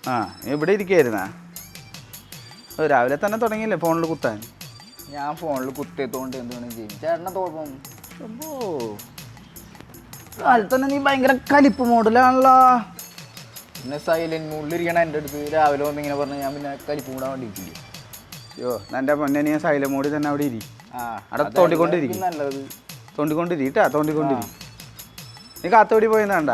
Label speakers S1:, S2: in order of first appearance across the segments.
S1: ആ ഇവിടെ ഇരിക്കായിരുന്നാ? രാവിലെ തന്നെ തുടങ്ങിയില്ലേ ഫോണിൽ കുത്താൻ?
S2: ഞാൻ ഫോണിൽ കുത്തിയത്തോണ്ട് എന്താണ് ചെയ്യും ചേട്ടനെ തോന്നും.
S1: അപ്പോ കാലത്ത് തന്നെ നീ ഭയങ്കര കലിപ്പ് മോഡലാണല്ലോ.
S2: പിന്നെ സൈലന്റ് മൂഡിലിരിക്കണ എൻ്റെ അടുത്ത് രാവിലെ വന്ന് ഇങ്ങനെ പറഞ്ഞാൽ ഞാൻ പിന്നെ കലിപ്പ് കൂടാൻ വേണ്ടിയിട്ടില്ല.
S1: അയ്യോ എൻ്റെ പൊന്നെ, നീ സൈലന്റ് മോഡിൽ തന്നെ അവിടെ ഇരി. അവിടെ
S2: തോണ്ടിക്കൊണ്ടിരിക്കും നല്ലത്.
S1: തോണ്ടിക്കൊണ്ടിരിട്ടാ തോണ്ടിക്കൊണ്ടിരി. നീ കാത്തോടി പോയിന്നാണ്ട?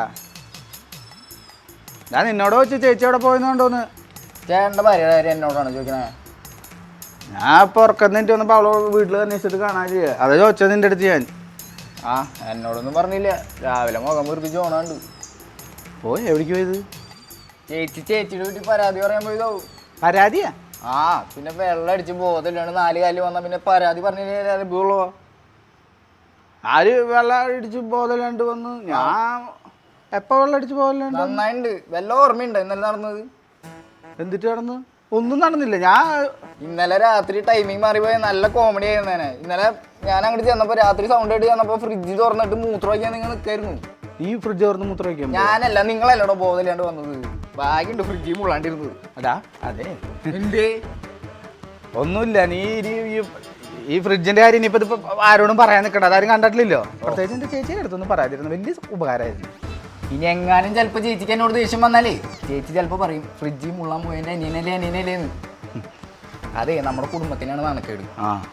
S1: ഞാൻ നിന്നോട് വെച്ച് ചേച്ചി അവിടെ പോയെന്നുണ്ടോന്ന്.
S2: ചേട്ടൻ്റെ ഭാര്യയുടെ കാര്യം എന്നോടാണ് ചോദിക്കണേ?
S1: ഞാൻ ഇപ്പോൾ ഉറക്കന്നിട്ട് വന്നപ്പോൾ അവളെ വീട്ടിൽ അന്വേഷിച്ചിട്ട് കാണാൻ ചെയ്യുക. അതാ ചോദിച്ചത് നിൻ്റെ അടുത്ത് ഞാൻ.
S2: എന്നോടൊന്നും പറഞ്ഞില്ല. രാവിലെ മുഖം മുറിപ്പിച്ച് ഓണാണ്ട്
S1: പോയി. എവിടേക്ക് പോയത്?
S2: ചേച്ചിയുടെ വീട്ടിൽ പരാതി പറയാൻ പോയതോ.
S1: പരാതിയാ?
S2: പിന്നെ വെള്ളം അടിച്ച് ബോധമില്ലാണ്ട് 4 കാലിൽ വന്നാൽ പിന്നെ പരാതി പറഞ്ഞില്ലേ?
S1: ആര് വെള്ളം അടിച്ച് ബോധമില്ലാണ്ട് വന്ന്? ഞാൻ എപ്പോൾ വെള്ളം അടിച്ച് ബോധമില്ലാണ്ട്?
S2: നന്നായിട്ടുണ്ട്. വല്ല ഓർമ്മയുണ്ടോ ഇന്നലെ നടന്നത്?
S1: എന്തിട്ട് നടന്നു? ഒന്നും നടന്നില്ല. ഞാൻ
S2: ഇന്നലെ രാത്രി ടൈമിങ് മാറിപ്പോയ നല്ല കോമഡി ആയിരുന്നേനെ. ഇന്നലെ ഞാൻ അങ്ങോട്ട് ചെന്നപ്പോൾ രാത്രി സൗണ്ട് ആയിട്ട് ചെന്നപ്പോൾ ഫ്രിഡ്ജ് തുറന്നിട്ട് മൂത്രം വയ്ക്കാൻ നിങ്ങൾ നിൽക്കായിരുന്നു.
S1: ഈ ഫ്രിഡ്ജ് തുറന്ന് മൂത്രം വയ്ക്കാൻ?
S2: ഞാനല്ല, നിങ്ങളല്ലോടോ ബോധമില്ലാണ്ട് വന്നത്. ബാഗുണ്ട് ഫ്രിഡ്ജിൽ മുള്ളാണ്ടിരുന്നത്.
S1: അതാ അതെ.
S2: എന്തേ?
S1: ഒന്നുമില്ല. നീ ഈ ഫ്രിഡ്ജിന്റെ കാര്യം ഇനിയിപ്പോൾ ഇതിപ്പോൾ ആരോടും പറയാൻ നിൽക്കണ്ട. അതാരും കണ്ടിട്ടില്ലല്ലോ. പ്രത്യേകിച്ച് എൻ്റെ ചേച്ചിയുടെ അടുത്തൊന്നും പറയാതിരുന്നു. വലിയ ഉപകാരമായിരുന്നു.
S2: ഇനി എങ്ങാനും ചിലപ്പോൾ ചേച്ചിക്ക് എന്നോട് ദേഷ്യം വന്നാലേ ചേച്ചി ചിലപ്പോൾ പറയും ഫ്രിഡ്ജിൽ മുള്ളാൻ പോയതിൻ്റെ അനിയനല്ലേന്ന്. അതെ, നമ്മുടെ കുടുംബത്തിനാണ് നാണക്കേട്.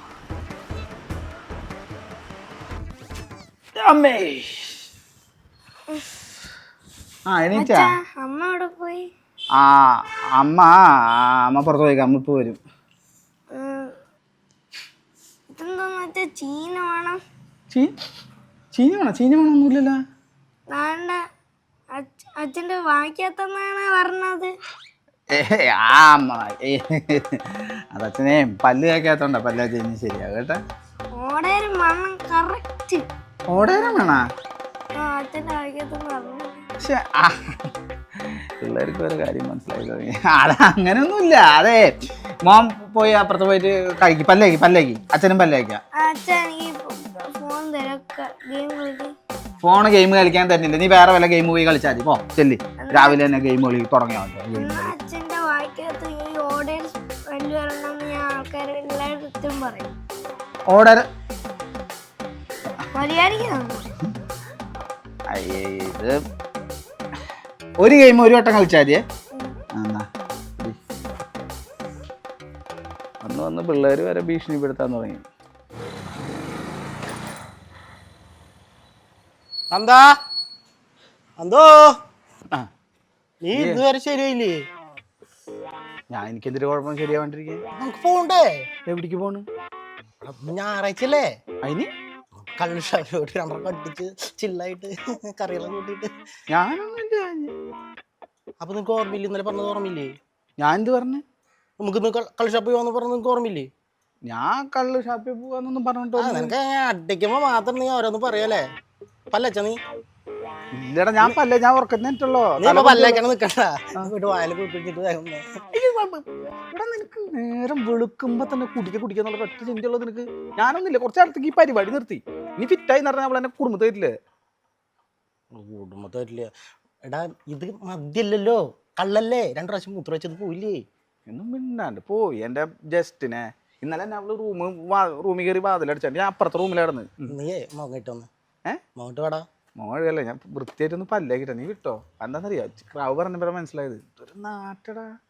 S1: എണീറ്റാ?
S3: അമ്മ അവിടെ പോയി.
S1: അമ്മ പുറത്ത് പോയി. അമ്മ ഇപ്പോൾ വരും.
S3: ഇതെന്താന്ന് വെച്ചാ ചീന വേണം.
S1: ചീന വേണമൊന്നുമില്ലല്ലോ.
S3: വേണ്ട, അച്ഛൻ്റെ വായിക്കാത്തന്നാണ് പറഞ്ഞത്.
S1: അതച്ഛനെ പല്ല് കേൾക്കാത്തോണ്ട. പല്ല കഴിഞ്ഞ് ശരിയാ കേട്ടാ.
S3: ഓടേരം വേണം കറക്റ്റ്.
S1: ഓടേരം വേണാ?
S3: അച്ഛൻ്റെ വായിക്കാത്തെന്ന് പറഞ്ഞു.
S1: പക്ഷെ പിള്ളേർക്ക് ഒരു കാര്യം മനസ്സിലായി തുടങ്ങി. അങ്ങനെയൊന്നുമില്ല. അതെ, മോൻ പോയി അപ്പുറത്ത് പോയിട്ട് കഴിക്കും. പല്ലേക്ക് അച്ഛനും പല്ലേക്കാം.
S3: അച്ഛൻ ഈ ഫോൺ
S1: ഫോണ് ഗെയിം കളിക്കാൻ തരുന്നില്ല. നീ വേറെ വല്ല ഗെയിം പോയി കളിച്ചാൽ മതി. പോ ചെല്ലി. രാവിലെ തന്നെ ഗെയിം കളി തുടങ്ങിയാൽ മതി.
S3: അച്ഛൻ്റെ വായിക്കകത്ത് ഈ ഓർഡർ വലിയ വരണമെന്ന് ഞാൻ ആൾക്കാർ എല്ലായിടത്തും പറയും.
S1: ഓർഡർ ഇത് ഒരു ഗെയിം ഒരു വട്ടം കളിച്ചാൽ മതിയേ. വന്ന് പിള്ളേർ വരെ ഭീഷണിപ്പെടുത്താൻ തുടങ്ങി.
S4: നീ ഇതുവരെ ശരിയായില്ലേ?
S1: എനിക്കെന്തൊരു കുഴപ്പം ശരിയാവാണ്ടിരിക്കേ?
S4: നമുക്ക് പോണ്ടേ?
S1: എവിടേക്ക് പോണ്?
S4: ഞായറാഴ്ചല്ലേ?
S1: അതിന്
S4: കള്ളുഷാപ്പിലോട്ട് 2 കട്ടിച്ച് ചില്ലായിട്ട് കറിയെല്ലാം കൂട്ടിയിട്ട്.
S1: ഞാനൊന്നുമില്ല.
S4: അപ്പൊ നിനക്ക് ഓർമ്മയില്ല? ഇന്നലെ പറഞ്ഞത് ഓർമ്മയില്ലേ?
S1: ഞാൻ എന്ത് പറഞ്ഞു?
S4: നമുക്ക് കള്ള് ഷാപ്പിൽ പോകാന്ന് പറഞ്ഞത് നിനക്ക് ഓർമ്മയില്ലേ?
S1: ഞാൻ കള്ള് ഷാപ്പിൽ പോകാന്നൊന്നും പറഞ്ഞിട്ടോ.
S4: നിനക്ക് അടിക്കുമ്പോ മാത്രം നീ ഓരോന്ന് പറയല്ലേ? പല്ലച്ച നീ?
S1: ഇല്ലടാ, ഞാൻ ഉറക്കുന്നിട്ടുള്ളോ.
S4: പല്ലേക്കാണ് നിക്കണ്ട. വായല കുട്ടിട്ട്
S1: നിനക്ക് നേരം വെളുക്കുമ്പോ തന്നെ കുടിക്കാന്നുള്ള ഒറ്റ ചിന്തയുള്ളത് നിനക്ക്. ഞാനൊന്നുമില്ല. കുറച്ചാളത്തേക്ക് ഈ പരിപാടി നിർത്തി. നീ ഫിറ്റായി എന്ന് പറഞ്ഞാൽ അവളെന്നെ കുടുംബത്തില്ലേ?
S4: കുടുംബത്തില്ല എടാ, ഇത് മദ്യല്ലല്ലോ, കള്ളല്ലേ. 2 പ്രാവശ്യം മൂത്ര വെച്ചത് പോയില്ലേ?
S1: എന്നും മിണ്ടാണ്ട് പോയി. എൻ്റെ ജസ്റ്റിനെ ഇന്നലെ തന്നെ അവള് റൂമിൽ കയറി വാതിലടിച്ചാണ്ട് ഞാൻ അപ്പുറത്തെ റൂമിലായിരുന്നു.
S4: നീയേ മോങ്ങിട്ടൊന്ന് മോങ്ങിട്ട് വേടാ.
S1: മോഴല്ലേ, ഞാൻ വൃത്തിയായിട്ടൊന്ന് പല്ലേക്കിട്ട. നീ വിട്ടോ? എന്താണെന്നറിയാം, ക്രാവ് പറഞ്ഞപ്പോഴാണ് മനസ്സിലായത്. ഒരു നാട്ടടാ.